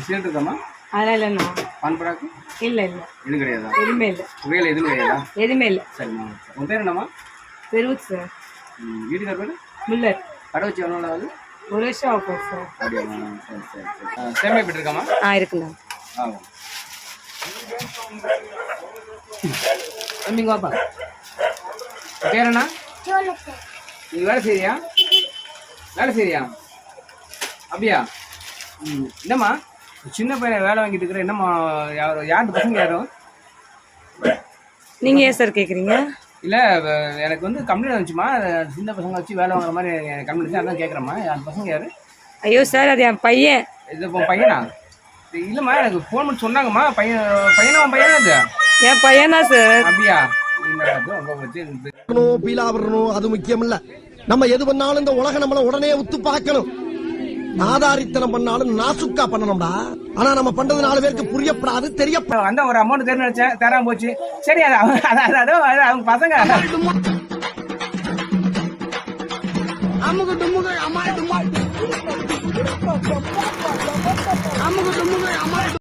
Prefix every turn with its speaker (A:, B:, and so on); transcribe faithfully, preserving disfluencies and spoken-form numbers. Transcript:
A: Cigarette இருக்காமா?
B: அதெல்லாம் இல்லைண்ணா.
A: பான் பராக்கு
B: இல்லை இல்லை
A: எதுவும் கிடையாதா?
B: எதுவுமே இல்லை.
A: புகையில எதுவும் கிடையாதா?
B: எதுவுமே இல்லை.
A: சரிம்மா. உன் பேர் என்னம்மா?
B: பெருவுத் சார்.
A: வீட்டுக்கார் பேர்?
B: மில்லர்.
A: கடை வச்சு எவ்வளோ நாள் ஆகுது?
B: ஒரு வருஷம் ஆகும் சார்.
A: அப்படியாம்மா? சரி சரி சரி. சேமியா எப்படி இருக்காமா?
B: ஆ இருக்குண்ணா.
A: ஆகும். தம்பிங்க வாப்பா. பேர் என்ன? நீ வேலை செய்யறியா? வேலை செய்யறியா? அப்படியா? ம். என்னம்மா சின்ன பையனை வேலை வாங்கிட்டு இருக்கிற? என்னம்மா யார் யார் பசங்க யாரும்?
B: நீங்கள் ஏன் சார் கேட்குறீங்க? இல்லை
A: எனக்கு வந்து கம்ப்ளைண்ட் வந்துச்சுமா, சின்ன பசங்க வச்சு வேலை வாங்குற மாதிரி கம்ப்ளைண்ட் அதான் கேட்குறேம்மா. அந்த பசங்க யார்?
B: ஐயோ சார் அது என் பையன்.
A: இது இப்போ பையனா? இல்லைம்மா எனக்கு ஃபோன் பண்ணி சொன்னாங்கம்மா. பையன் பையனா உன் பையனா இது?
B: என் பையனா சார்.
A: அப்படியா?
C: அது முக்கியம் இல்ல. நம்ம எது பண்ணாலும் இந்த உலக நம்மள உடனே உத்து பார்க்கணும். ஆதாரித்தனம் பண்ணாலும் நாசுக்கா பண்ணணும்டா. ஆனா நம்ம பண்றது நாலு பேருக்கு புரியப்படாது, தெரியப்படாது.
A: வந்த ஒரு அமௌண்ட் தேர்ந்து நினைச்சேன், தராம போச்சு. சரி அது அவங்க பசங்க. அமுகு டுமுகு அமால் டுமால் அமுகு டுமுகு அமால்